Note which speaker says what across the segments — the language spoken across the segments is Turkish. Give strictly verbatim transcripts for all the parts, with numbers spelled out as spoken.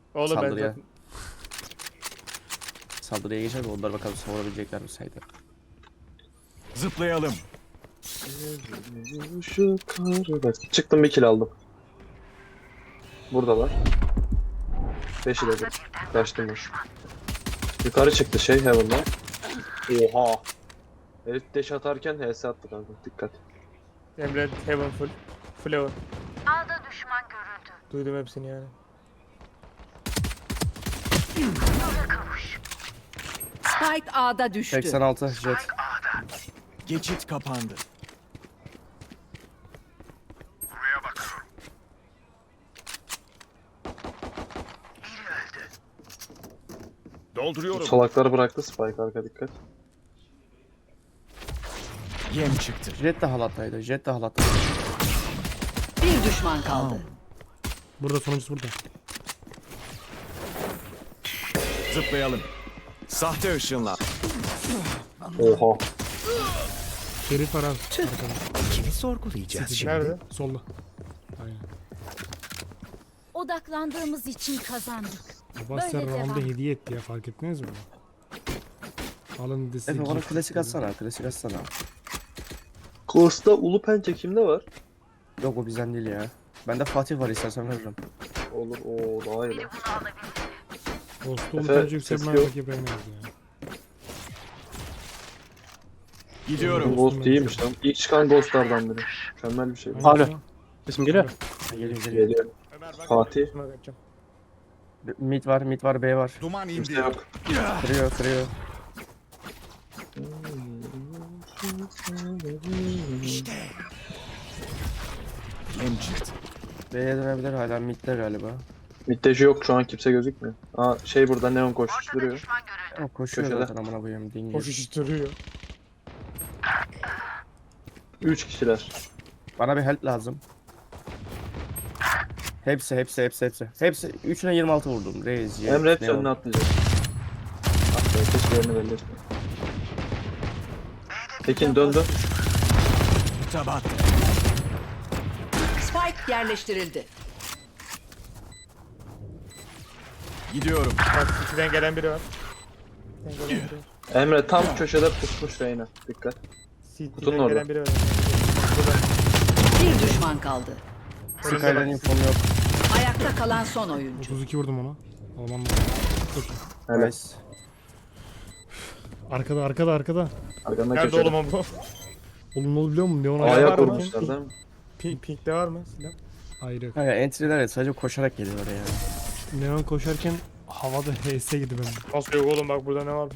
Speaker 1: Oğlum ben
Speaker 2: Saldırıya.
Speaker 1: zaten...
Speaker 2: Saldırıya geçer mi? Onlar bakalım savunabilecekler mi saydı.
Speaker 3: Zıplayalım.
Speaker 4: Şu karı... Çıktım bir kill aldım. Buradalar. Beşi de bir. Kaçtım boş. Yukarı çıktı şey Heaven'dan. Oha. Herif dash atarken H S attı kanka. Dikkat.
Speaker 1: Emre Heaven full. Full Heaven.
Speaker 5: A'da düşman görüldü.
Speaker 1: Duydum hepsini yani.
Speaker 6: Spike A'da düştü.
Speaker 2: seksen altı jet.
Speaker 3: Geçit kapandı. Dolduruyorum.
Speaker 4: Salakları bıraktı Spike arka dikkat.
Speaker 3: Yem çıktı.
Speaker 2: Jet de halattaydı. Jet de halattaydı.
Speaker 6: Bir düşman kaldı.
Speaker 7: Burada sonuncusu burada.
Speaker 3: Zıplayalım. Sahte ışınla.
Speaker 4: Oha.
Speaker 7: Şerif var abi. Arkada.
Speaker 3: Kimi sorgulayacağız şimdi?
Speaker 1: Nerede?
Speaker 7: Solda. Aynen.
Speaker 5: Odaklandığımız için kazandık.
Speaker 7: Basya
Speaker 5: Böyle
Speaker 7: round'da
Speaker 5: devam.
Speaker 7: hediye etti ya, fark ettiniz mi? Alın desi.
Speaker 2: Efe bana klasik atsana. Klasik atsana.
Speaker 4: Ghost'ta Ulu Pençe kimde var?
Speaker 2: Yok o bizden değil ya. Bende Fatih var, istersen veririm.
Speaker 4: Olur o daha iyi. lan.
Speaker 7: Ghost'u
Speaker 4: Efe,
Speaker 7: unutunca yükselme
Speaker 4: ses yok.
Speaker 7: rakip yemeyiz ya.
Speaker 3: Gidiyorum.
Speaker 4: Ghost iyiymiş lan. İlk çıkan Ghost'lardan biri. Mükemmel bir şey.
Speaker 7: Alo.
Speaker 8: Sesim geliyor.
Speaker 2: Geliyor geliyor.
Speaker 4: Geliyor.
Speaker 1: Ömer bak.
Speaker 4: Fatih.
Speaker 1: Üstüme kaçacağım.
Speaker 2: Mid var, mid var, B var.
Speaker 3: Duman
Speaker 4: Kimse
Speaker 3: indi.
Speaker 4: yok.
Speaker 2: Kırıyor, kırıyor.
Speaker 3: Yem çıktı.
Speaker 2: B'ye dönebilir, hala midde galiba.
Speaker 4: Middeji yok şu an kimse gözükmüyor. Aa şey burada neon koşturuyor.
Speaker 2: Ama koşuyor
Speaker 4: Köşede.
Speaker 2: zaten amına koyayım dingil.
Speaker 1: Koşuşturuyor.
Speaker 4: Üç kişiler.
Speaker 2: Bana bir help lazım. Hepsi, hepsi, hepsi, hepsi. Hepsi. Üçüne yirmi altı vurdum. Reis, Jet,
Speaker 4: Emre hepsi
Speaker 2: Neon.
Speaker 4: önüne atlayacak. Ah be keşke yerini belli etme. Tekin döndü.
Speaker 3: Tabat.
Speaker 6: Spike yerleştirildi.
Speaker 3: Gidiyorum.
Speaker 1: Bak ikiden gelen biri var. İkiden gelen biri var.
Speaker 4: Emre tam köşede pusmuş Reyna. Dikkat. Kutunun
Speaker 1: City'den
Speaker 4: orada.
Speaker 1: gelen biri var.
Speaker 6: Bir düşman kaldı.
Speaker 2: Skyler'in infom yok.
Speaker 6: Ayakta kalan son oyuncu.
Speaker 7: otuz iki vurdum ona. Alman mı? Çok iyi.
Speaker 4: Evet.
Speaker 2: Nice.
Speaker 7: Arkada arkada arkada.
Speaker 4: Arkanda
Speaker 1: Nerede
Speaker 4: köşede.
Speaker 1: oğlum o bu?
Speaker 7: Oğlum ne oldu biliyor musun? Neon
Speaker 1: Ayağı
Speaker 7: ayağı
Speaker 4: A'ya
Speaker 1: var
Speaker 7: var
Speaker 1: mı?
Speaker 4: kurmuşlar değil mi?
Speaker 1: Pink, Pink'te var mı silah?
Speaker 7: Hayır yok.
Speaker 2: Kanka entry'ler evet, sadece koşarak geliyor oraya.
Speaker 7: Neon koşarken havada H S girdi benim.
Speaker 1: Nasıl yok oğlum, bak burada ne varmış.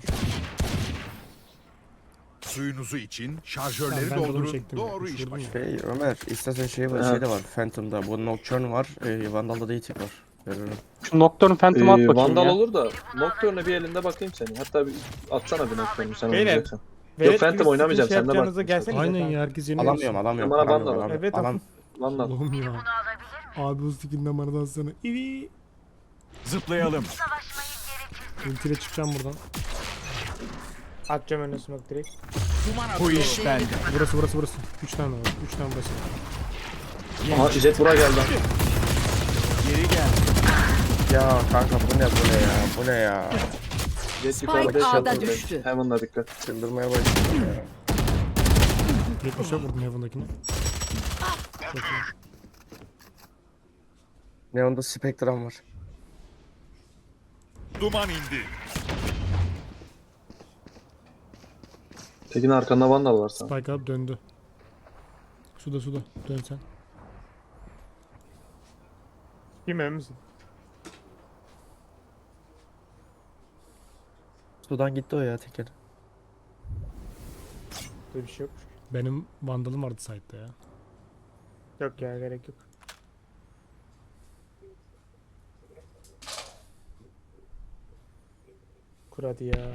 Speaker 3: Suyunuzu için
Speaker 7: Ben-
Speaker 3: şarjörleri
Speaker 7: ben de onu
Speaker 3: doldurun.
Speaker 7: çektim ya,
Speaker 3: Doğru iş
Speaker 7: uçurdum
Speaker 3: başı.
Speaker 7: ya.
Speaker 2: Şey Ömer, istersen şey var,
Speaker 4: Evet.
Speaker 2: şey de var. Phantom'da. Bu Nocturne var. E, Vandal'da da itik var. Veririm.
Speaker 8: Şu Nocturne Phantom at
Speaker 4: Ee,
Speaker 8: bakayım
Speaker 4: Vandal
Speaker 8: ya.
Speaker 4: olur da Nocturne'e bir elinde bakayım seni. Hatta bir atsana bir Nocturne'u sen
Speaker 1: Beyler,
Speaker 4: oynayacaksan.
Speaker 1: Velet
Speaker 4: Phantom
Speaker 1: gibi
Speaker 4: oynamayacağım,
Speaker 1: şey
Speaker 4: sen de bak.
Speaker 1: yapacağınıza gelsenize
Speaker 7: Aynen
Speaker 1: kanka.
Speaker 7: ya, herkes yeni
Speaker 2: Alamıyorum, alamıyorum.
Speaker 4: Bana
Speaker 2: alamıyorum,
Speaker 4: Vandal.
Speaker 2: alam-
Speaker 1: Evet,
Speaker 2: alam.
Speaker 4: Vandal.
Speaker 7: Allah'ım ya. Abi bu stikinden bana da sana. İvi.
Speaker 3: Zıplayalım.
Speaker 7: Ultiyle çıkacağım buradan.
Speaker 1: Atacağım önüne smoke direkt.
Speaker 3: Bu iş bende.
Speaker 7: Burası burası burası. üç tane var. üç tane burası.
Speaker 4: Aha Jet buraya geldi.
Speaker 3: Geri gel.
Speaker 2: Ya kanka bu ne bu ne ya? Bu ne ya?
Speaker 4: Jet
Speaker 6: Spike
Speaker 4: yukarıda
Speaker 6: A'da
Speaker 4: shelter'da.
Speaker 6: düştü.
Speaker 4: Heaven'la dikkat.
Speaker 2: Çıldırmaya başladım ya.
Speaker 7: yetmişe vurdum Heaven'dakini. Çok iyi.
Speaker 2: Neon'da Spectrum var.
Speaker 3: Duman indi.
Speaker 4: Tekin arkanda Vandal var sana.
Speaker 7: Spike up döndü. Suda suda. Dön sen.
Speaker 1: Kim emin misin?
Speaker 2: Sudan gitti o ya teker.
Speaker 1: Böyle bir şey yok.
Speaker 7: Benim vandalım vardı site'da ya.
Speaker 1: Yok ya, gerek yok. Kur hadi ya.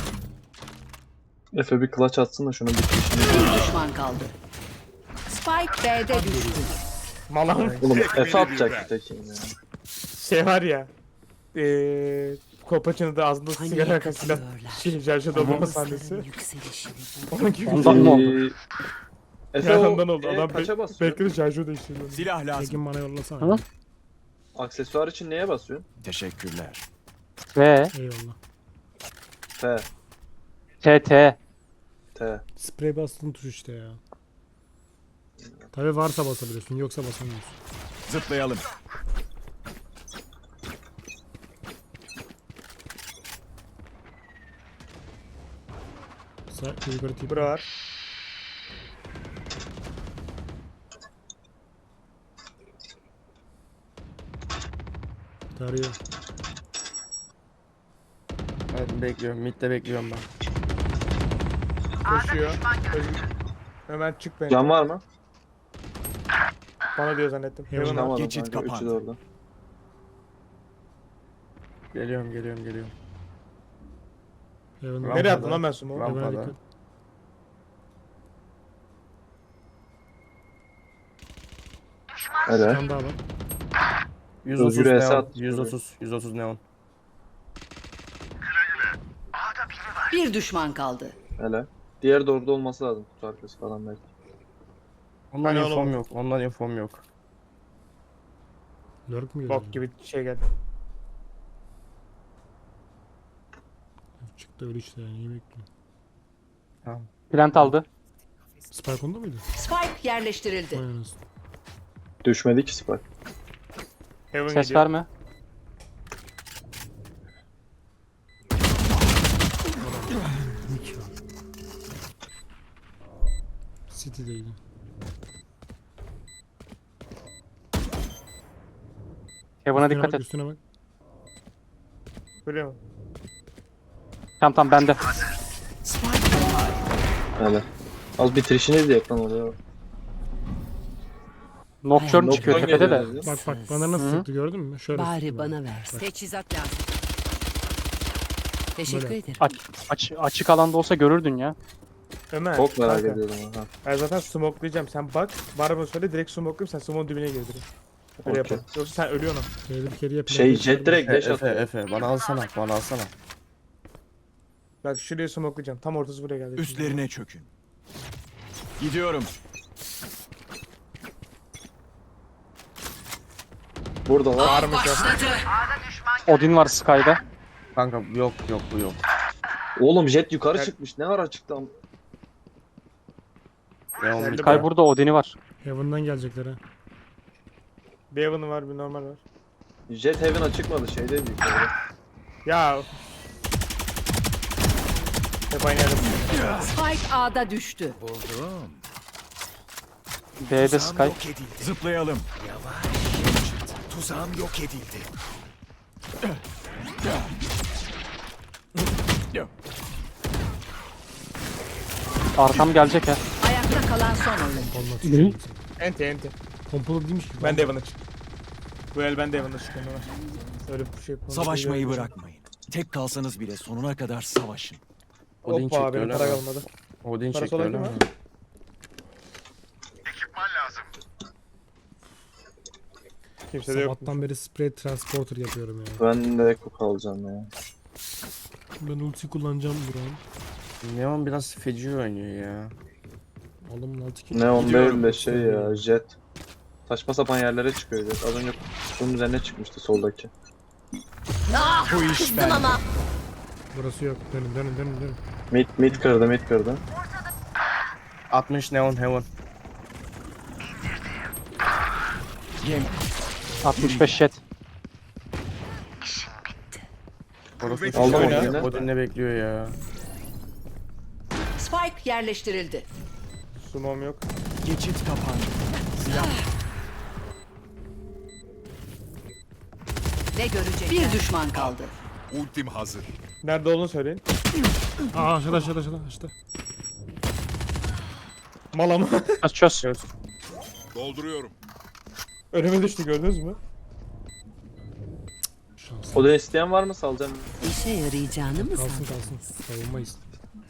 Speaker 4: Efe bir clutch atsın da şunu bir
Speaker 6: Bir düşman kaldı. Spike B'de düştü.
Speaker 1: Malam
Speaker 4: Oğlum Efe atacak Tekin ya.
Speaker 1: şey var ya. Eee Kolpaçını da ağzında sigara yakan silah. Şey, şarjı doldurma sahnesi. Onun gibi.
Speaker 8: Ondan mı oldu?
Speaker 4: Ee, Efe
Speaker 1: Ya
Speaker 4: o
Speaker 1: ondan oldu.
Speaker 4: e,
Speaker 1: Adam
Speaker 4: kaça
Speaker 1: be
Speaker 4: basıyor?
Speaker 1: bekle şarjı değiştirdi.
Speaker 3: Silah lazım.
Speaker 7: Tekin bana yollasana.
Speaker 8: Tamam.
Speaker 4: aksesuar için neye basıyorsun?
Speaker 3: Teşekkürler.
Speaker 8: Ve
Speaker 7: Eyvallah.
Speaker 4: F,
Speaker 8: T T.
Speaker 4: T.
Speaker 7: Sprey bastığın tuş işte ya. Tabi varsa basabiliyorsun yoksa basamıyorsun.
Speaker 3: Zıplayalım.
Speaker 7: Sağ yukarı tip.
Speaker 1: Bura var.
Speaker 7: Tarıyor.
Speaker 2: Evet, bekliyorum. Mid'de bekliyorum ben.
Speaker 1: Koşuyor. Özgür. Hemen çık bence.
Speaker 4: Can var mı?
Speaker 1: Bana diyor zannettim. Heaven var.
Speaker 4: Tamam
Speaker 3: Geçit
Speaker 4: kanka. Üçü de
Speaker 3: kapandı.
Speaker 4: orada.
Speaker 2: Geliyorum, geliyorum, geliyorum.
Speaker 7: Heaven.
Speaker 2: Rampada.
Speaker 1: Nereye attın lan ben sumo?
Speaker 2: Rampada.
Speaker 7: Heaven'a dikkat.
Speaker 4: Hele.
Speaker 7: Can daha var.
Speaker 2: yüz otuz
Speaker 4: Özgür'e
Speaker 2: neon.
Speaker 4: Esat.
Speaker 2: yüz otuz. yüz otuz neon.
Speaker 6: Bir düşman kaldı.
Speaker 4: Hele. Diğer de orada olması lazım. Kutu arkası falan belki.
Speaker 2: Ondan
Speaker 1: Hani
Speaker 2: infom
Speaker 1: oğlum.
Speaker 2: yok. Ondan infom yok.
Speaker 7: Lurk mu
Speaker 1: Bok
Speaker 7: geldi?
Speaker 1: gibi şey geldi.
Speaker 7: Çıktı öyle işte yani iyi bekliyorum.
Speaker 2: Tamam.
Speaker 8: Plant aldı.
Speaker 7: Spike onda mıydı?
Speaker 6: Spike yerleştirildi.
Speaker 7: Vay anasını.
Speaker 4: Düşmedi ki Spike.
Speaker 1: Heaven
Speaker 8: Ses
Speaker 1: gidiyor.
Speaker 8: verme.
Speaker 7: Mik ya. City'deydi.
Speaker 8: Heaven'a
Speaker 7: Üstüne
Speaker 8: dikkat
Speaker 7: bak,
Speaker 8: et.
Speaker 7: üstüne bak.
Speaker 1: Biliyor musun?
Speaker 8: Tamam tamam bende.
Speaker 4: Hele. Az bitirişini de yaklan oluyor.
Speaker 8: Nocturne çıkıyor
Speaker 4: Nocturne
Speaker 8: tepede de.
Speaker 4: geliyor dedi.
Speaker 7: Bak bak bana nasıl
Speaker 8: Hı.
Speaker 7: sıktı gördün mü? Şöyle sıktı
Speaker 6: Bari
Speaker 7: bana.
Speaker 6: bana versin.
Speaker 7: Bak.
Speaker 6: Teçhizat lazım. Teşekkür
Speaker 7: Böyle.
Speaker 6: ederim.
Speaker 8: Aç, aç, açık alanda olsa görürdün ya.
Speaker 1: Ömer.
Speaker 4: Çok merak
Speaker 1: kanka,
Speaker 4: ediyorum ha.
Speaker 1: Ben zaten smokelayacağım. Sen bak. Var mı söyle direkt smokelayayım. Sen smoke'un dibine gir direkt. Öyle
Speaker 4: Okey.
Speaker 1: yapalım. Yoksa sen ölüyorsun.
Speaker 7: Şöyle bir kere yapayım.
Speaker 4: Şey jet direkt
Speaker 2: Efe,
Speaker 4: dash
Speaker 2: Efe,
Speaker 4: atıyor.
Speaker 2: Efe. Bana alsana, bana alsana.
Speaker 1: Bak şuraya smokelayacağım. Tam ortası buraya geldi.
Speaker 3: Üstlerine çökün. Gidiyorum.
Speaker 4: Burada var.
Speaker 1: Var mı sen?
Speaker 8: Odin var Sky'da.
Speaker 2: Kanka yok, yok, bu yok.
Speaker 4: Oğlum jet yukarı
Speaker 1: Gel.
Speaker 4: çıkmış. Ne ara çıktı am-
Speaker 2: Neon
Speaker 1: Geldi
Speaker 2: mid'de.
Speaker 8: Sky burada Odin'i var.
Speaker 7: Heaven'dan gelecekler ha.
Speaker 1: Bir Heaven'ı var bir normal var.
Speaker 4: Jet Heaven'a çıkmadı şeydeydi yukarıda.
Speaker 1: Ya. Hep aynı yerde.
Speaker 6: Spike A'da düştü.
Speaker 3: Buldum.
Speaker 8: B'de Sky.
Speaker 3: Zıplayalım. Yavaş. Tuzağım yok edildi.
Speaker 8: Arkam gelecek ha.
Speaker 6: Ayakta kalan son oyun.
Speaker 7: Olmaz.
Speaker 8: Ne?
Speaker 1: Enti enti.
Speaker 7: Pompalı değilmiş ki.
Speaker 1: Ben de Heaven'a çık. Bu el ben de Heaven'a çıkıyorum Ömer. Öyle bir şey yapalım.
Speaker 3: Savaşmayı bırakmayın. Tek kalsanız bile sonuna kadar savaşın.
Speaker 2: Odin
Speaker 1: Hoppa
Speaker 2: çekti
Speaker 1: benim
Speaker 2: öyle
Speaker 1: para
Speaker 2: mi?
Speaker 1: kalmadı.
Speaker 2: Odin
Speaker 1: Parası
Speaker 2: çekti
Speaker 1: olan
Speaker 2: öyle
Speaker 1: kim
Speaker 2: mi?
Speaker 1: var? Kimse de yok.
Speaker 7: Sabahtan beri spray transporter yapıyorum ya.
Speaker 4: Ben de Ekko kalacağım ya.
Speaker 7: Ben ulti kullanacağım Burak'ım.
Speaker 2: Neon biraz feci oynuyor ya.
Speaker 7: Aldım altı kill.
Speaker 4: Ne on
Speaker 3: Gidiyorum.
Speaker 4: değil de şey ya jet. Saçma sapan yerlere çıkıyor jet. Az önce bunun üzerine çıkmıştı soldaki.
Speaker 3: Bu iş ben.
Speaker 7: Burası yok. Dönün dönün dönün dönün.
Speaker 4: Mid mid kırdı mid kırdı.
Speaker 2: altmış neon heaven.
Speaker 3: Yem.
Speaker 8: altmış beş jet.
Speaker 2: Orası
Speaker 4: Aldım
Speaker 2: Odin'le-
Speaker 4: Odin'i.
Speaker 2: Odin'le bekliyor ya.
Speaker 6: Spike yerleştirildi.
Speaker 1: Sumom yok.
Speaker 3: Geçit kapandı. Silah.
Speaker 6: Ne görecek? Bir düşman kaldı.
Speaker 3: Ultim hazır.
Speaker 1: Nerede olduğunu söyleyin.
Speaker 7: Aa aşağıda aşağıda aşağıda aşağıda.
Speaker 1: Mala mı?
Speaker 8: Çöz çöz.
Speaker 2: Göz.
Speaker 3: Dolduruyorum.
Speaker 1: Önüme düştü gördünüz mü?
Speaker 7: Şans.
Speaker 4: O da isteyen var mı salacağım?
Speaker 6: İşe yarayacağını mı
Speaker 7: Kalsın
Speaker 6: sandın?
Speaker 7: kalsın. Savunmayız.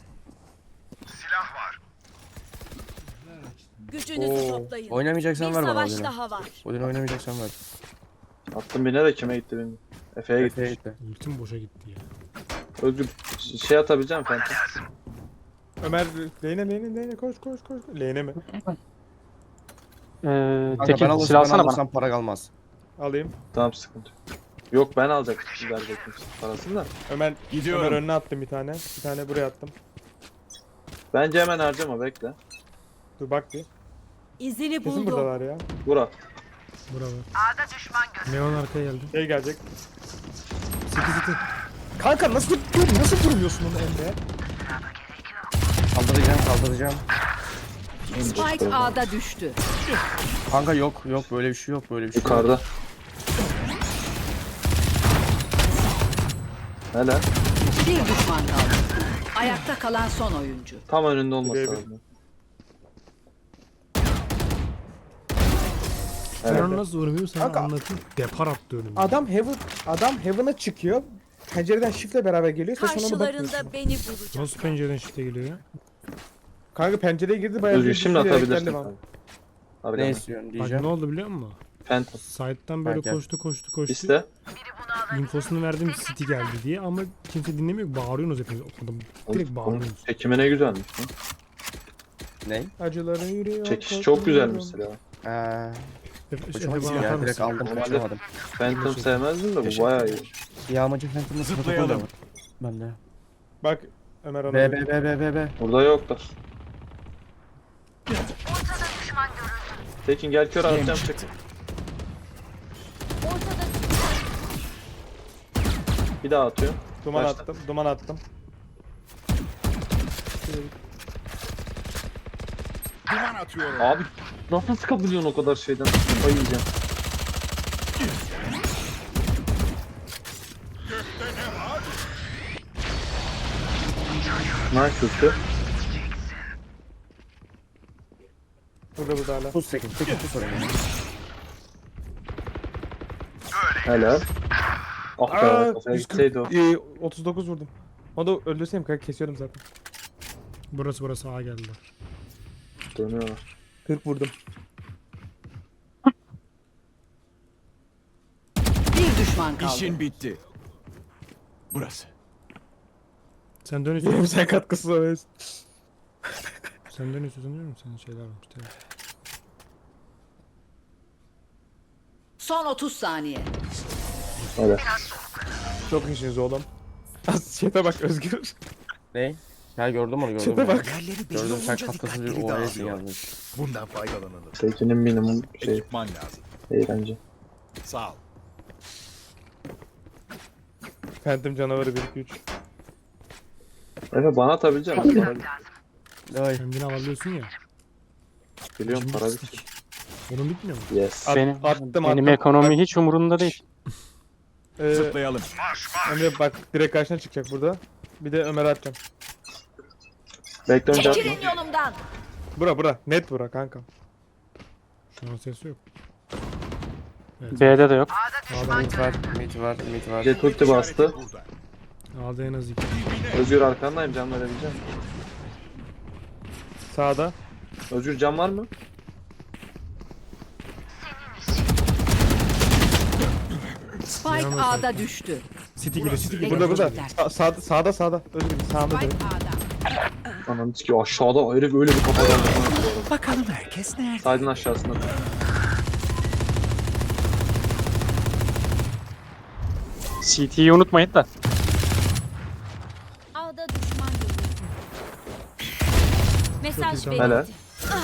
Speaker 5: Gücünüzü
Speaker 1: Oo.
Speaker 5: toplayın.
Speaker 2: Oynamayacaksan
Speaker 5: Bir
Speaker 2: ver bana
Speaker 5: savaş
Speaker 2: Odin'i.
Speaker 5: daha var.
Speaker 2: Odin oynamayacaksan ver.
Speaker 4: Attım birine de kime gitti bilmiyorum. Efe'ye
Speaker 2: Efe'ye
Speaker 4: gitti.
Speaker 2: gitti.
Speaker 7: Ultim boşa gitti ya.
Speaker 4: Özgür ş- şey atabileceğim Phantom.
Speaker 1: Ömer lehine lehine lehine koş koş koş. Lehine mi?
Speaker 8: Ee,
Speaker 2: Kanka ben
Speaker 8: Tekin
Speaker 2: alırsam,
Speaker 8: silah
Speaker 2: ben
Speaker 8: alsana bana.
Speaker 2: alırsam para kalmaz.
Speaker 1: Alayım.
Speaker 4: Tamam sıkıntı yok. Yok ben alacaktım verecektim parasını da.
Speaker 1: Ömer,
Speaker 3: Gidiyorum.
Speaker 1: Ömer önüne attım bir tane. Bir tane buraya attım.
Speaker 4: Bence hemen harcama bekle.
Speaker 1: Dur bak bir.
Speaker 6: İzini
Speaker 1: Kesin
Speaker 6: buldum.
Speaker 1: buradalar ya.
Speaker 4: Burak.
Speaker 7: Bravo. Neon arkaya geldi.
Speaker 1: Şey gelecek.
Speaker 7: City city.
Speaker 1: Kanka nasıl nasıl durmuyorsun onu Emre?
Speaker 2: Kaldıracağım kaldıracağım.
Speaker 6: Spike A'da düştü.
Speaker 2: Kanka yok yok böyle bir şey yok böyle bir şey yok.
Speaker 4: Yukarıda. Helal.
Speaker 6: Bir düşman kaldı. Ayakta kalan son oyuncu.
Speaker 4: Tam önünde olması
Speaker 1: Birebir.
Speaker 4: lazım.
Speaker 7: Ben
Speaker 4: Evet.
Speaker 7: onu nasıl vurmuyorum sana
Speaker 1: Kanka-
Speaker 7: anlatayım. Depar attı önüme.
Speaker 1: Adam heaven adam heaven'a çıkıyor. Pencereden shift'le beraber geliyor. Sen sonra ona bakmıyorsun.
Speaker 6: Karşılarında beni bulacak.
Speaker 7: Nasıl pencereden shift'e geliyor ya?
Speaker 1: Kanka pencereye girdi bayağı
Speaker 4: Özgür
Speaker 1: bir
Speaker 4: şimdi
Speaker 1: düştü,
Speaker 4: atabilirsin.
Speaker 1: elektrikli var.
Speaker 4: kanka.
Speaker 2: Ne
Speaker 4: Arkana.
Speaker 2: istiyorsun
Speaker 7: Bak
Speaker 2: diyeceğim.
Speaker 7: ne oldu biliyor musun?
Speaker 4: Phantom.
Speaker 7: Side'dan böyle
Speaker 2: Bak gel.
Speaker 7: koştu koştu koştu.
Speaker 4: İste.
Speaker 7: İnfosunu verdim City geldi diye ama kimse dinlemiyor. Bağırıyorsunuz hepiniz. Adam direkt bağırıyorsunuz.
Speaker 4: Çekimi ne güzelmiş lan.
Speaker 2: Ne?
Speaker 1: Acıların yürüyor.
Speaker 4: Çekiş çok güzelmiş silah.
Speaker 2: Eee
Speaker 7: Efe,
Speaker 2: hoşuma
Speaker 7: Efe
Speaker 2: gitti
Speaker 7: bana
Speaker 2: ya
Speaker 7: atar
Speaker 2: direkt
Speaker 7: mısın?
Speaker 2: aldım
Speaker 4: Normalde-
Speaker 2: kaçırmadım.
Speaker 4: Phantom sevmezdim de bu
Speaker 3: Teşekkür
Speaker 4: bayağı iyi.
Speaker 2: Yağmacı Phantom'ın protokol da
Speaker 3: Zıplayalım.
Speaker 2: var. Bende.
Speaker 1: Bak Ömer ona.
Speaker 2: B B B B B B.
Speaker 4: Burada yoklar. Tekin gel kör atacağım çık. Bir daha atıyor.
Speaker 1: Duman
Speaker 4: Başla.
Speaker 1: attım. Duman attım.
Speaker 4: Abi nasıl sıkabiliyorsun o kadar şeyden? Kafayı yiyeceğim. Ne kötü?
Speaker 1: Burada burada hala.
Speaker 2: Tuz sekiz. sekiz tuz oraya.
Speaker 4: Helal. Ah be
Speaker 1: Aa,
Speaker 4: kafaya
Speaker 1: yüz kırk,
Speaker 4: gitseydi o.
Speaker 1: e, otuz dokuz vurdum. Onu da öldürseydim kanka kesiyordum zaten.
Speaker 7: Burası burası A geldi.
Speaker 4: Dönüyorlar.
Speaker 1: kırk vurdum.
Speaker 6: Bir düşman kaldı.
Speaker 3: İşin bitti. Burası.
Speaker 7: Sen dön
Speaker 1: Yine mi
Speaker 7: istiyorsan.
Speaker 1: sen katkısız oluyorsun?
Speaker 7: Sen dön istiyorsan diyorum senin şeyler varmış. Tabii.
Speaker 6: Son otuz saniye.
Speaker 4: Helal.
Speaker 1: Çok işiniz oğlum. Az chat'e bak Özgür.
Speaker 2: Ne? Ya gördüm onu gördüm.
Speaker 1: Chat'e
Speaker 2: ya.
Speaker 1: bak.
Speaker 3: Yerleri belli
Speaker 2: Gördüm sen
Speaker 3: olunca
Speaker 2: katkısız bir
Speaker 3: dikkatleri
Speaker 2: O A S'in
Speaker 3: dağılıyor.
Speaker 2: yazmış.
Speaker 3: Bundan faydalanalım.
Speaker 4: Tekin'in minimum şey
Speaker 3: Ekipman lazım.
Speaker 4: eğlence.
Speaker 3: Sağ ol.
Speaker 1: Phantom canavarı bir iki üç.
Speaker 4: Efe bana atabilecek misin? Para bit-
Speaker 2: Ay.
Speaker 7: Kendini alabiliyorsun ya.
Speaker 4: Biliyorum para
Speaker 7: Şimdi
Speaker 4: bit.
Speaker 7: Onun bitmiyor mu?
Speaker 4: Yes.
Speaker 1: At,
Speaker 8: Benim,
Speaker 1: attım
Speaker 8: benim
Speaker 1: attım.
Speaker 8: ekonomi hiç umurumda değil.
Speaker 1: Ee,
Speaker 3: Zıplayalım.
Speaker 1: Emre bak direkt karşına çıkacak burada. Bir de Ömer'e atacağım.
Speaker 4: Bekle önce atma.
Speaker 6: Çekilin yolumdan.
Speaker 1: Bura bura. Net bura kanka.
Speaker 7: Şu an ses yok. Evet.
Speaker 8: B'de de yok.
Speaker 2: Mid var, mid var, mid var.
Speaker 4: Jet ulti bastı.
Speaker 7: A'da en az iki.
Speaker 4: Özgür arkandayım can verebileceğim.
Speaker 1: Sağda.
Speaker 4: Özgür can var mı?
Speaker 6: Spike
Speaker 7: Yanılmıyorsam.
Speaker 6: A'da düştü.
Speaker 7: City geliyor City geliyor.
Speaker 1: Burada burada.
Speaker 6: Elektrikler.
Speaker 1: Sa sağda sağda sağda. Özgür sağda
Speaker 6: Spike
Speaker 1: direkt.
Speaker 6: A'da.
Speaker 4: Ananı sikiyor aşağıda herif öyle bir kafadan.
Speaker 3: Bakalım herkes nerede?
Speaker 4: Saydın aşağısında.
Speaker 8: C T'yi unutmayın da.
Speaker 5: Ağda düşman görüldü. Mesaj
Speaker 7: güzel.
Speaker 4: Helal.
Speaker 5: verildi.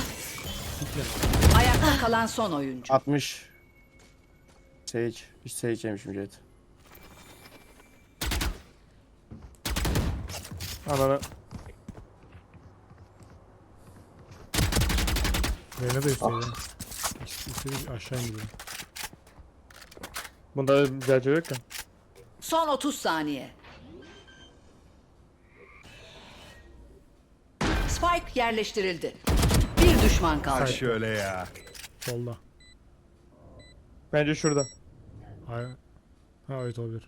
Speaker 6: Ayakta kalan son oyuncu.
Speaker 2: altmış. Sage. Hiç Sage yemişim Jet.
Speaker 1: Ananı.
Speaker 7: Reyna da üstte ya. İstedi aşağı indiriyor.
Speaker 1: Bunda güzelce yok ya.
Speaker 6: Son otuz saniye. Spike yerleştirildi. Bir düşman kaldı.
Speaker 3: Şöyle ya.
Speaker 7: Solda.
Speaker 1: Bence şurada.
Speaker 7: Hayır. Ha evet olabilir.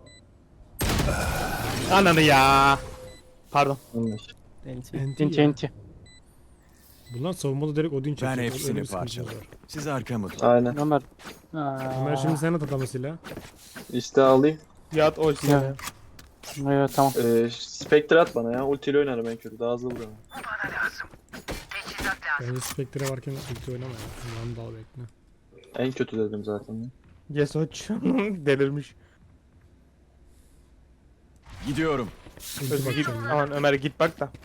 Speaker 1: Ananı ya. Pardon.
Speaker 4: Yanlış.
Speaker 7: Enti
Speaker 8: Enti
Speaker 7: ya.
Speaker 8: enti.
Speaker 7: Bunlar savunmada direkt Odin çekiyor.
Speaker 3: Ben
Speaker 7: Öyle
Speaker 3: hepsini
Speaker 7: bir sıkıntı
Speaker 3: parçalarım.
Speaker 7: var.
Speaker 3: Siz arkamı tutun.
Speaker 4: Aynen.
Speaker 8: Ömer.
Speaker 7: Ömer şimdi sen at atamasıyla.
Speaker 4: İste alayım.
Speaker 1: Yat o işte.
Speaker 8: Ya. Evet tamam.
Speaker 4: Ee, Spectre at bana ya. Ultiyle oynarım en kötü. Daha hızlı vuruyorum.
Speaker 7: Bence Spectre varken ulti oynama ya. Şundan dal bekle.
Speaker 4: En kötü dedim zaten. Ya.
Speaker 1: Yes hoç. Delirmiş.
Speaker 3: Gidiyorum.
Speaker 7: Ulti
Speaker 1: Özgür git.
Speaker 7: bakacağım ya.
Speaker 1: Aman Ömer git bak da.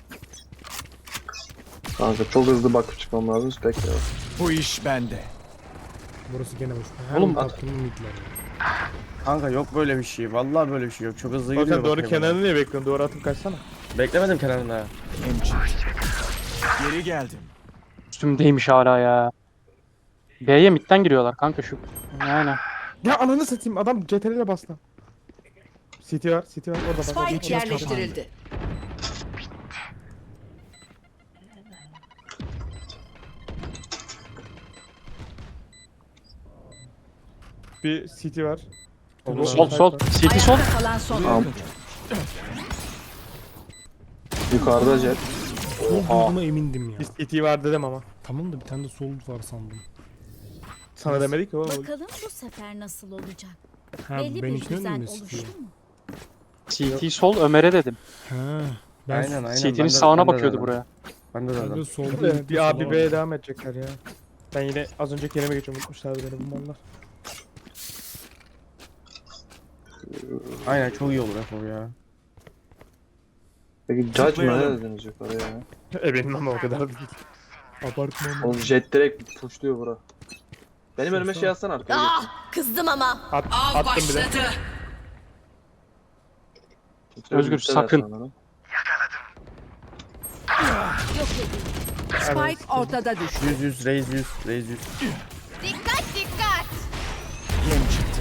Speaker 4: Kanka çok hızlı bakıp çıkmam lazım. Bekle.
Speaker 3: Bu iş bende.
Speaker 7: Burası gene boş.
Speaker 8: Oğlum,
Speaker 7: Oğlum
Speaker 4: at.
Speaker 7: tatlım midler ya.
Speaker 2: Kanka yok böyle bir şey. Vallahi böyle bir şey yok. Çok hızlı
Speaker 1: Zaten
Speaker 2: gidiyor.
Speaker 1: doğru
Speaker 2: bakayım
Speaker 1: kenarını niye bekliyorsun? Doğru atıp kaçsana.
Speaker 2: ben. Beklemedim kenarına.
Speaker 3: Hem çıktı. Geri geldim.
Speaker 8: Üstümdeymiş hala ya. B'ye midden giriyorlar kanka şu. Aynen.
Speaker 1: Ya ananı satayım adam C T R L ile bastı. City var, City var orada bak.
Speaker 6: Spike yerleştirildi.
Speaker 1: Bir City var.
Speaker 8: Sol sol. City sol.
Speaker 6: Ayakta kalan son
Speaker 4: Tamam.
Speaker 6: oyuncu.
Speaker 4: Yukarıda jet.
Speaker 7: Sol
Speaker 4: Oha.
Speaker 7: duyduğuma emindim ya.
Speaker 1: Bir City var dedim ama.
Speaker 7: Tamam da bir tane de sol var sandım.
Speaker 1: Sana demedik ki oğlum.
Speaker 5: Bakalım bu sefer nasıl olacak?
Speaker 7: Ha
Speaker 5: Belli
Speaker 7: ben
Speaker 5: bir
Speaker 7: içine
Speaker 5: düzen
Speaker 7: mi
Speaker 5: oluştu
Speaker 7: istiyor?
Speaker 5: mu?
Speaker 8: C T sol Ömer'e dedim.
Speaker 7: Ha. Ben
Speaker 2: Aynen aynen.
Speaker 8: C
Speaker 2: ben
Speaker 8: T'nin
Speaker 2: de-
Speaker 8: sağına
Speaker 2: ben de
Speaker 8: bakıyordu
Speaker 2: dedim.
Speaker 8: buraya.
Speaker 2: Ben de
Speaker 7: ben de
Speaker 2: dedim.
Speaker 7: sol
Speaker 1: Evet, bir A bir B'ye devam edecekler ya. Ben yine az önceki yerime geçiyorum. Unutmuşlar beni bu mallar.
Speaker 2: Aynen çok iyi olur Efor ya.
Speaker 4: Peki judge mı ne
Speaker 3: Zıplayalım.
Speaker 4: dediniz yukarıya ya?
Speaker 1: E benim ama o kadar değil. Abartma ama.
Speaker 4: Oğlum jet direkt pushluyor bura. Benim önüme şey atsana arkaya geç.
Speaker 5: Ah, kızdım ama.
Speaker 1: At, attım bir de.
Speaker 8: Özgür,
Speaker 4: Bitti
Speaker 8: sakın.
Speaker 4: zaten bana.
Speaker 5: Yok edin.
Speaker 6: Spike ortada düştü.
Speaker 2: yüz yüz reis yüz reis yüz.
Speaker 5: Dikkat dikkat.
Speaker 3: Hem çıktı.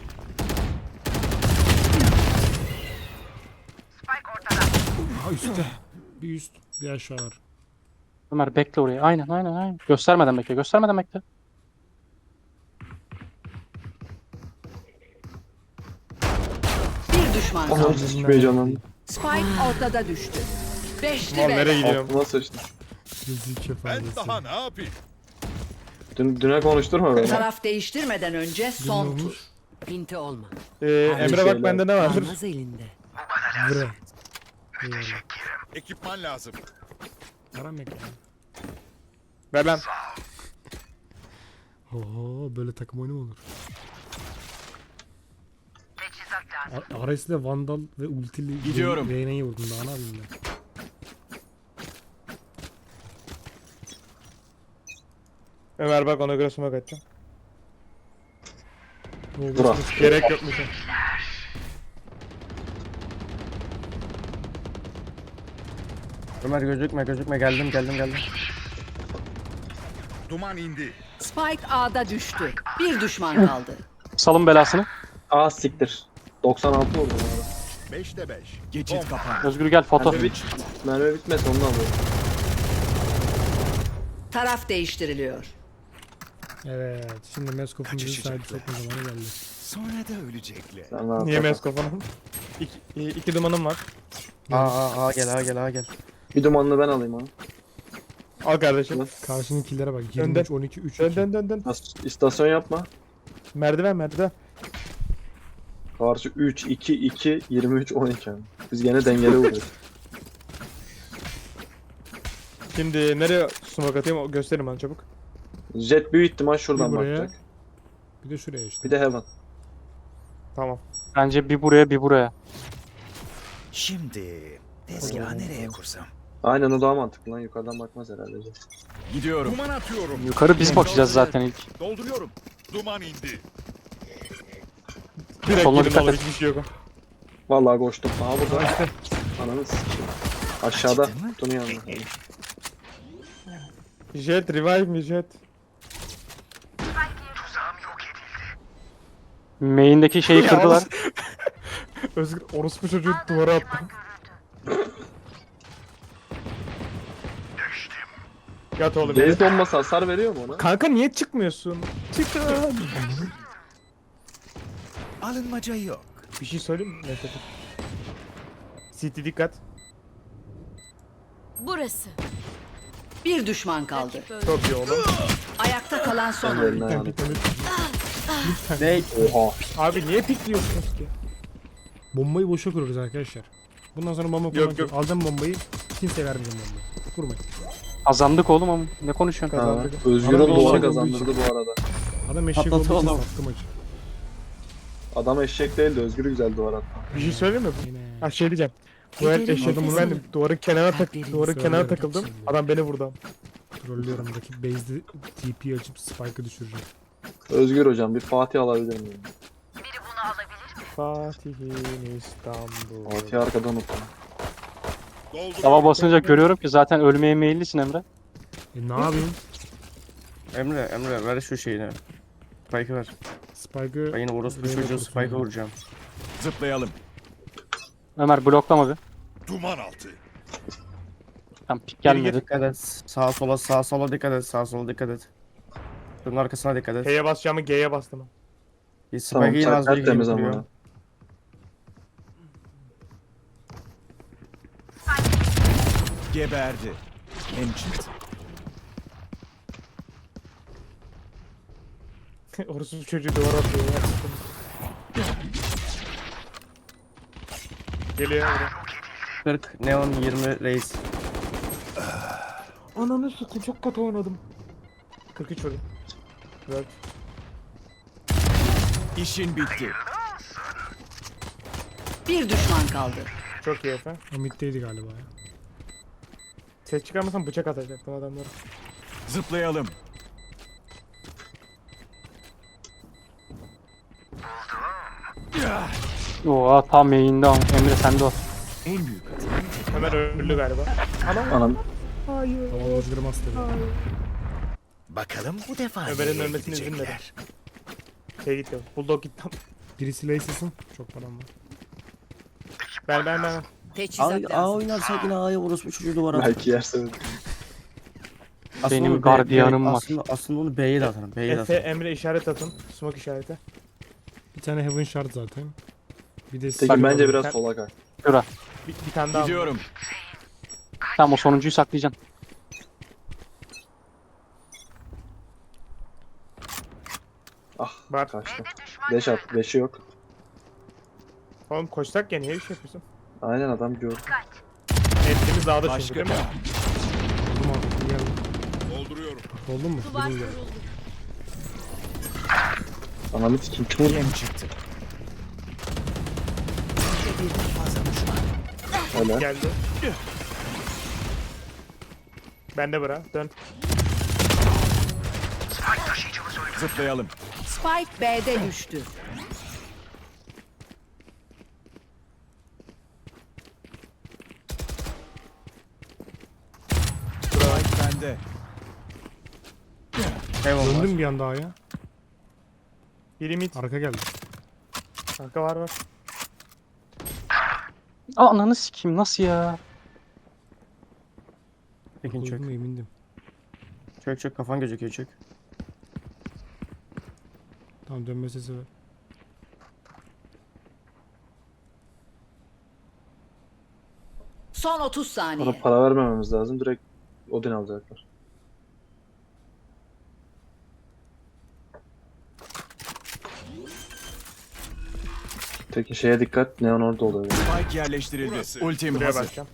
Speaker 7: Ha üstte. Bir üst bir aşağı var.
Speaker 8: Ömer bekle oraya. Aynen aynen aynen. Göstermeden bekle. Göstermeden bekle.
Speaker 6: Bir düşman
Speaker 4: Aha
Speaker 6: kaldı.
Speaker 4: hiç heyecanlandım.
Speaker 6: Spike ortada düştü. Beşli
Speaker 1: Mal nereye
Speaker 6: ve
Speaker 1: gidiyorum?
Speaker 4: Altıma sıçtım.
Speaker 7: Rezil kefalesi.
Speaker 4: Dün, düne konuşturma beni.
Speaker 6: taraf değiştirmeden önce son
Speaker 7: olmuş?
Speaker 6: tur. Pinti olma.
Speaker 1: Ee, Emre
Speaker 4: şeyler.
Speaker 1: bak bende ne var?
Speaker 6: Almaz elinde.
Speaker 7: Vre. Eyvallah.
Speaker 9: Ekipman lazım.
Speaker 7: Param yok ya.
Speaker 1: Ver lan.
Speaker 7: Oho böyle takım oyunu mu olur? A- Ares'le Vandal ve ultili
Speaker 3: Gidiyorum.
Speaker 7: Reyna'yı vurdum daha ne yapayım ben?
Speaker 1: Ömer bak ona göre smoke atacağım.
Speaker 7: Ne oldu?
Speaker 4: Bura.
Speaker 1: Gerek yokmuş.
Speaker 2: Ömer gözükme gözükme geldim geldim geldim.
Speaker 9: Duman indi.
Speaker 6: Spike A'da düştü. Bir düşman kaldı.
Speaker 8: Salın belasını.
Speaker 4: Aa siktir. doksan altı vurdum orada.
Speaker 9: beşte beş.
Speaker 3: Geçit kapan.
Speaker 8: Özgür gel foto.
Speaker 4: Mermi, bit mermi bitmez ondan alıyorum.
Speaker 6: Taraf değiştiriliyor.
Speaker 7: Evet şimdi Meskop'un bizi
Speaker 3: Kaçışacaklar.
Speaker 7: sahip sokma zamanı geldi.
Speaker 3: Sonra da ölecekler.
Speaker 4: Sen rahat
Speaker 1: Niye
Speaker 4: bak.
Speaker 1: mes kafanım? İki, iki dumanım var.
Speaker 2: Aa aa aa gel aa gel aa gel.
Speaker 4: Bir dumanını ben alayım onu.
Speaker 1: Al kardeşim.
Speaker 7: Karşının killere bak
Speaker 1: Önden.
Speaker 7: yirmi üç on iki üç
Speaker 1: Dön
Speaker 7: iki.
Speaker 1: dön dön dön.
Speaker 4: Nas- İstasyon yapma.
Speaker 1: Merdiven merdiven.
Speaker 4: Karşı üç, iki, iki, yirmi üç, on iki. Biz gene dengeli vuruyoruz.
Speaker 1: Şimdi nereye smoke atayım o gösterin bana çabuk.
Speaker 4: Jet büyük ihtimal şuradan
Speaker 7: Bir buraya.
Speaker 4: bakacak.
Speaker 7: Bir de şuraya işte.
Speaker 4: Bir de heaven.
Speaker 1: Tamam.
Speaker 8: Bence bir buraya bir buraya.
Speaker 3: Şimdi tezgahı nereye kursam?
Speaker 4: Aynen o daha mantıklı lan. Yukarıdan bakmaz herhalde Jet.
Speaker 3: Gidiyorum.
Speaker 9: Duman atıyorum.
Speaker 8: Yukarı biz bakacağız zaten ilk.
Speaker 9: Dolduruyorum. Duman indi.
Speaker 1: Direkt
Speaker 8: Soluna
Speaker 1: gidin
Speaker 8: dikkat
Speaker 1: oğlum
Speaker 8: et.
Speaker 1: hiçbir şey yok.
Speaker 4: Vallahi koştum. Aha burada. Ananı sikeyim. Aşağıda.
Speaker 3: Ciddi mi?
Speaker 4: Kutunun yanında.
Speaker 1: Jet revive mi jet?
Speaker 8: Main'deki şeyi kırdılar.
Speaker 1: Özgür orospu çocuğu duvara attı. Yat oğlum.
Speaker 4: Deniz bombası hasar veriyor mu ona?
Speaker 1: Kanka niye çıkmıyorsun? Çıkın.
Speaker 3: Alınmaca yok.
Speaker 1: Bir şey söyleyeyim mi? Neyse dur. City dikkat.
Speaker 5: Burası.
Speaker 6: Bir düşman kaldı.
Speaker 1: Çok iyi oğlum.
Speaker 6: Ayakta kalan son
Speaker 4: Ben
Speaker 6: oyuncu.
Speaker 4: eline ayağını.
Speaker 2: Ne?
Speaker 4: Oha.
Speaker 1: Abi niye pikliyorsunuz ki?
Speaker 7: Bombayı boşa kuruyoruz arkadaşlar. Bundan sonra bomba
Speaker 1: Yok,
Speaker 7: kullanacağız.
Speaker 1: yok.
Speaker 7: Alacağım bombayı. Kimseye vermeyeceğim bombayı. Kurmayın.
Speaker 8: Kazandık oğlum ama ne konuşuyorsun?
Speaker 4: Ha,
Speaker 1: Kazandık.
Speaker 4: Özgür'ün
Speaker 7: Ama
Speaker 4: doğru
Speaker 7: olacak
Speaker 4: kazandırdı bu arada.
Speaker 7: Adam eşek
Speaker 2: Patladı
Speaker 7: olduğu için
Speaker 2: oğlum.
Speaker 7: sattı maçı.
Speaker 4: Adam eşek değildi. Özgür güzel duvar attı.
Speaker 1: Bir şey söyleyeyim mi?
Speaker 7: Yine.
Speaker 1: Ha şey diyeceğim. Bu el
Speaker 6: Gidelim
Speaker 1: eşek
Speaker 6: odamıza.
Speaker 1: bendim. Duvarın kenara tak
Speaker 6: Kalplerinizi
Speaker 1: duvarın kenara
Speaker 7: söylüyorum,
Speaker 1: takıldım.
Speaker 7: söylüyorum.
Speaker 1: Adam beni vurdu.
Speaker 7: Trollüyorum. Rakip base'de T P açıp spike'ı düşüreceğim.
Speaker 4: Özgür hocam bir Fatih alabilir miyim?
Speaker 1: Fatih'in İstanbul.
Speaker 4: Fatih arkadan unutma.
Speaker 9: Dolduruyorum.
Speaker 8: Tava basınca görüyorum ki zaten ölmeye meyillisin Emre.
Speaker 7: E ne yapayım?
Speaker 2: Emre, Emre ver şu şeyini. Spike'ı ver.
Speaker 7: Spike'ı...
Speaker 2: Ben yine orospu
Speaker 7: Buraya
Speaker 2: çocuğu
Speaker 7: bakıyorsun
Speaker 2: Spike'ı
Speaker 7: ya.
Speaker 2: vuracağım.
Speaker 3: Zıplayalım.
Speaker 8: Ömer bloklama bir.
Speaker 9: Duman altı.
Speaker 8: Tam pik
Speaker 2: Geri
Speaker 8: gelmedi.
Speaker 2: dikkat et. Sağa sola, sağa sola dikkat et. Sağa sola dikkat et. Bunun arkasına dikkat et.
Speaker 1: H'ye basacağımı G'ye bastım.
Speaker 2: Bir
Speaker 4: Tamam
Speaker 2: Spike'ı yine az
Speaker 4: sen
Speaker 2: bir
Speaker 4: tertemiz
Speaker 2: gibi
Speaker 4: ama.
Speaker 2: vuruyor.
Speaker 3: Geberdi. En çıktı.
Speaker 1: Orası çocuğu duvara atıyor ya. Geliyor buraya.
Speaker 2: kırk, Neon yirmi, Reis.
Speaker 1: Ananı sıkın çok kötü oynadım. kırk üç vurdum. Evet.
Speaker 3: İşin bitti.
Speaker 6: Bir düşman kaldı.
Speaker 1: Çok iyi efendim.
Speaker 7: O middeydi galiba ya.
Speaker 1: Ses çıkarmasam bıçak atacaktım adamlara.
Speaker 3: Zıplayalım.
Speaker 8: Oha tam yayında ama. Emre sende o.
Speaker 3: En büyük hata.
Speaker 1: Hemen öldü galiba. Anam.
Speaker 4: Anam
Speaker 1: Hayır.
Speaker 7: Tamam Özgür Master.
Speaker 3: Bakalım bu defa
Speaker 1: Ömer'in
Speaker 3: nereye
Speaker 1: ölmesini izin
Speaker 3: gidecekler?
Speaker 1: Şey gitti. Bulldog gitti.
Speaker 7: Birisi Lace'sin. Çok param var.
Speaker 1: Ben ben ben.
Speaker 6: Teçhizat
Speaker 2: A, A
Speaker 6: lazım.
Speaker 2: oynarsak yine A'ya orospu çocuğu duvara at.
Speaker 4: belki yerse.
Speaker 2: Aslında
Speaker 8: Benim
Speaker 2: onu B-
Speaker 8: gardiyanım
Speaker 2: B-
Speaker 8: var.
Speaker 2: Aslında, aslında onu B'ye de atarım. B'ye de
Speaker 1: Efe
Speaker 2: atarım.
Speaker 1: Emre işaret atın. Smoke işareti.
Speaker 7: Bir tane Heaven Shard zaten. Bir de
Speaker 4: Tekin bence
Speaker 7: Silver-
Speaker 4: biraz
Speaker 1: Sen-
Speaker 4: sola kay.
Speaker 8: Şura.
Speaker 1: Bir, bir tane daha.
Speaker 3: Gidiyorum.
Speaker 8: Tamam o sonuncuyu saklayacaksın.
Speaker 4: Ah
Speaker 1: Var.
Speaker 4: kaçtı. Beş at. Beşi yok.
Speaker 1: Oğlum koşsak ya niye bir şey yapıyorsun?
Speaker 4: Aynen adam gördü.
Speaker 1: Hepimiz dağda çünkü
Speaker 3: Başka
Speaker 1: değil
Speaker 3: bir.
Speaker 1: mi?
Speaker 7: Oldum abi. Geldim.
Speaker 9: Dolduruyorum.
Speaker 7: Oldun mu?
Speaker 5: Duvar
Speaker 7: Birini geldi.
Speaker 5: kuruldu.
Speaker 4: Ananı sikim kim vurdu?
Speaker 3: Yem çıktı.
Speaker 4: Öyle.
Speaker 1: Geldi. Ben de bıra. Dön.
Speaker 3: Zıplayalım.
Speaker 6: Spike B'de düştü.
Speaker 3: Spike bende.
Speaker 2: Heaven var.
Speaker 7: Döndüm bir anda A'ya.
Speaker 1: Biri mid.
Speaker 7: Arka geldi.
Speaker 1: Arka var var.
Speaker 8: Aa ananı sikeyim nasıl ya?
Speaker 2: Tekin çök.
Speaker 7: Koydum emindim.
Speaker 2: Çök çök kafan gözüküyor çök.
Speaker 7: Tamam dönme sesi ver.
Speaker 6: Son otuz
Speaker 4: Ona
Speaker 6: saniye.
Speaker 4: para vermememiz lazım. Direkt Odin alacaklar. Peki şeye dikkat. Neon orada oluyor.
Speaker 3: Spike yerleştirildi.
Speaker 9: Burası.
Speaker 3: Ultim
Speaker 1: Buraya
Speaker 3: hazır.
Speaker 1: bakacağım.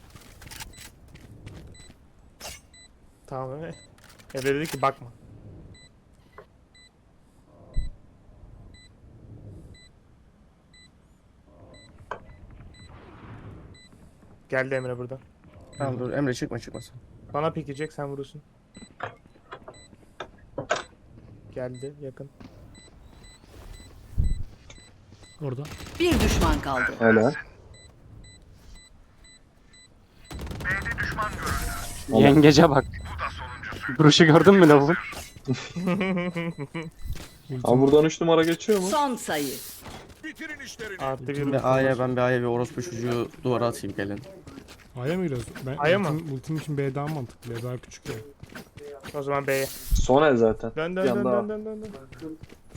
Speaker 1: Tamam Emre. Emre dedi ki bakma. Geldi Emre burada.
Speaker 2: Tamam dur Emre çıkma çıkmasın.
Speaker 1: Bana pikecek sen vurursun. Geldi yakın.
Speaker 7: Orada.
Speaker 6: Bir düşman kaldı.
Speaker 4: Helal. Oğlum.
Speaker 8: Yengece bak. Duruşu gördün mü lavabın?
Speaker 4: Ama buradan üç numara geçiyor mu?
Speaker 6: Son sayı.
Speaker 9: Bitirin işlerini.
Speaker 1: Artı bir
Speaker 2: Şimdi A'ya ben bir A'ya bir orospu çocuğu duvara atayım gelin.
Speaker 7: A'ya mı giriyoruz? Ben,
Speaker 1: A'ya mı?
Speaker 7: ultim, ultim için B daha mantıklı. B daha küçük ya.
Speaker 1: O zaman B'ye.
Speaker 4: Son el zaten.
Speaker 1: Dön
Speaker 4: Bir
Speaker 1: dön dön
Speaker 4: anda
Speaker 1: dön dön dön. dön.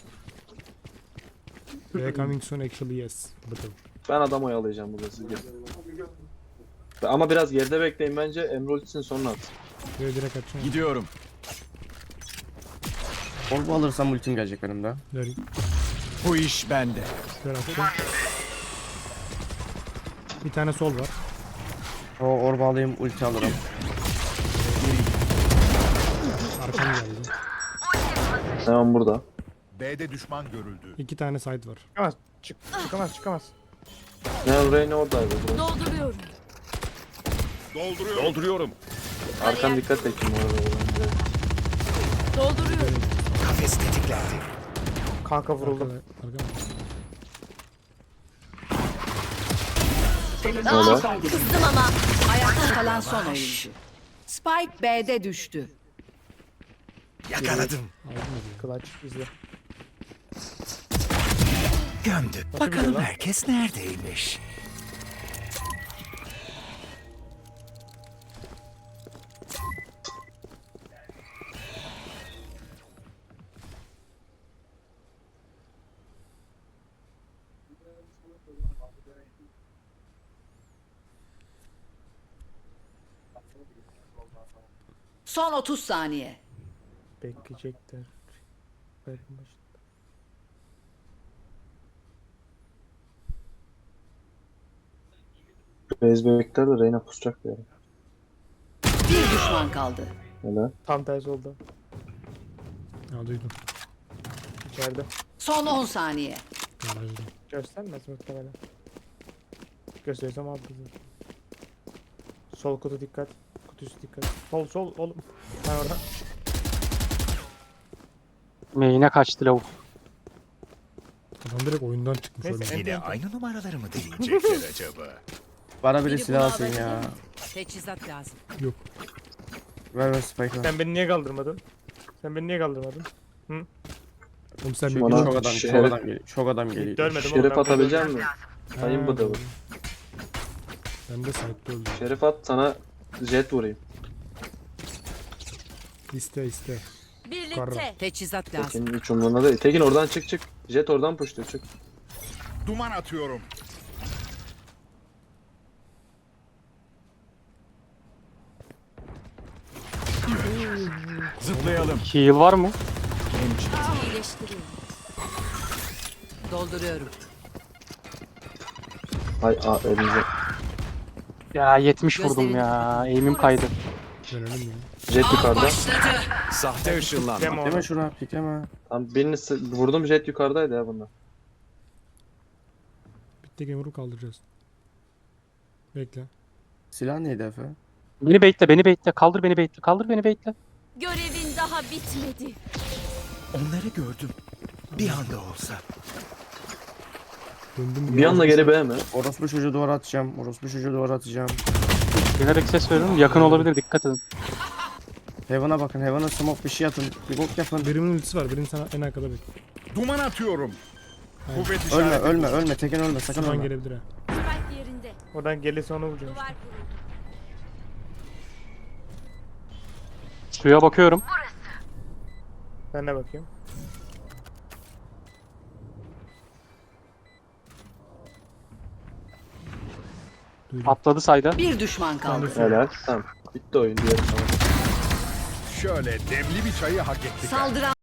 Speaker 7: B coming soon actually yes. Bakalım.
Speaker 4: ben adam oyalayacağım burada siz gelin. Ama biraz geride bekleyin bence. Emre ultisini sonra at.
Speaker 7: B direkt açacağım.
Speaker 3: Gidiyorum.
Speaker 2: Orbu alırsam ultim gelecek benim de.
Speaker 7: Ver,
Speaker 3: Bu iş bende.
Speaker 7: ver attım. Bir tane sol var.
Speaker 2: O orbu alayım ulti alırım.
Speaker 7: Arkam geldi.
Speaker 4: Neon burada.
Speaker 9: B'de düşman görüldü.
Speaker 7: İki tane side var.
Speaker 1: Ama Çık, çıkamaz çıkamaz.
Speaker 4: Ne Reyna oradaydı. Bro.
Speaker 5: Dolduruyorum.
Speaker 9: Dolduruyorum. Dolduruyorum.
Speaker 4: Arkan dikkat et kim orada.
Speaker 5: Dolduruyorum.
Speaker 3: Kafes tetiklendi.
Speaker 1: Kanka vuruldum.
Speaker 7: Arkada, arkada.
Speaker 4: Öyle.
Speaker 5: Kızdım ama.
Speaker 6: Ayakta kalan son oyuncu. Spike B'de düştü.
Speaker 3: Yakaladım.
Speaker 1: Clutch izle.
Speaker 3: Gömdük.
Speaker 1: Nasıl
Speaker 3: Bakalım
Speaker 1: gidiyor lan?
Speaker 3: herkes neredeymiş?
Speaker 6: Son otuz saniye.
Speaker 1: Bekleyecekler. Verin başına.
Speaker 4: Base bekler de Reyna pusacak bir yere.
Speaker 6: Bir düşman kaldı.
Speaker 4: Öyle.
Speaker 1: Tam tersi oldu.
Speaker 7: Ya duydum.
Speaker 1: İçeride.
Speaker 6: Son on saniye.
Speaker 7: Garajda.
Speaker 1: Göstermez muhtemelen. Gösterirsem aldı zaten. Sol kutu dikkat. Kutu üstü dikkat. Sol sol oğlum. Ben orada.
Speaker 8: Main'e kaçtı lavuk.
Speaker 7: Adam direkt oyundan çıkmış
Speaker 1: Neyse,
Speaker 7: öyle.
Speaker 1: en-
Speaker 3: Yine aynı numaraları mı deneyecekler acaba?
Speaker 2: Bana biri
Speaker 6: Biri
Speaker 2: silah
Speaker 6: bunu
Speaker 2: alsın ya.
Speaker 6: alabilir. Teçhizat lazım.
Speaker 7: Yok.
Speaker 2: Ver ver spike ver.
Speaker 1: Sen beni niye kaldırmadın? Sen beni niye kaldırmadın?
Speaker 7: Oğlum sen bir
Speaker 2: Çok
Speaker 4: Bana-
Speaker 7: bir-
Speaker 2: adam, çok
Speaker 4: Şeref-
Speaker 2: adam geliyor. Çok adam geliyor.
Speaker 1: Görmedim oğlum.
Speaker 4: Şerif
Speaker 1: ben
Speaker 4: atabilecek misin?
Speaker 7: Ha,
Speaker 4: Sayın bu da bu.
Speaker 7: Ben de site'de öldüm.
Speaker 4: Şerif at sana jet vurayım.
Speaker 7: İste iste.
Speaker 5: Birlikte.
Speaker 6: Teçhizat lazım.
Speaker 4: Tekin hiç umurunda değil. Tekin oradan çık çık. Jet oradan pushluyor çık.
Speaker 9: Duman atıyorum.
Speaker 3: Zıplayalım.
Speaker 8: Heal var mı?
Speaker 5: İyileştiriyorum.
Speaker 6: Dolduruyorum.
Speaker 4: Ay aa elinize.
Speaker 8: Ya yetmiş
Speaker 6: Gözlerini-
Speaker 8: vurdum ya. Aim'im kaydı.
Speaker 7: Dönelim ya.
Speaker 4: Jet yukarıda.
Speaker 3: Sahte ışınlanma.
Speaker 1: Deme onu.
Speaker 2: Pikleme şuna pikleme.
Speaker 4: Tam birini sı- vurdum jet yukarıdaydı ya bunda.
Speaker 7: Bitti gamer'ı kaldıracağız. Bekle.
Speaker 2: Silah neydi Efe?
Speaker 8: Beni baitle, beni baitle. Kaldır beni baitle, kaldır beni baitle.
Speaker 5: Görevin daha bitmedi.
Speaker 3: Onları gördüm. Bir anda olsa.
Speaker 7: Döndüm.
Speaker 4: Bir anda geri B mi?
Speaker 2: Orospu çocuğu duvara atacağım. Orospu çocuğu duvara atacağım.
Speaker 8: Bilerek ses veriyorum. Yakın olabilir, dikkat edin.
Speaker 2: Heaven'a bakın. Heaven'a smoke bir şey atın. Bir bok yapın.
Speaker 7: Birimin ultisi var. Birim sana en arkada bekle.
Speaker 9: Duman atıyorum.
Speaker 7: Aynen.
Speaker 9: Kuvvet
Speaker 2: Ölme
Speaker 9: işareti.
Speaker 2: ölme ölme. Tekin ölme sakın
Speaker 7: Şuradan
Speaker 2: ölme.
Speaker 7: gelebilir ha.
Speaker 5: Spike yerinde.
Speaker 1: Oradan gelirse onu vuracağım.
Speaker 5: Duvar kuruldu.
Speaker 8: Suya bakıyorum.
Speaker 1: Ben de bakayım.
Speaker 7: Duydum.
Speaker 8: Atladı sayda.
Speaker 6: Bir düşman kaldı.
Speaker 4: Helal. Tamam. Bitti oyun diğer tamam.
Speaker 9: Şöyle demli bir çayı hak ettik.
Speaker 6: Saldıran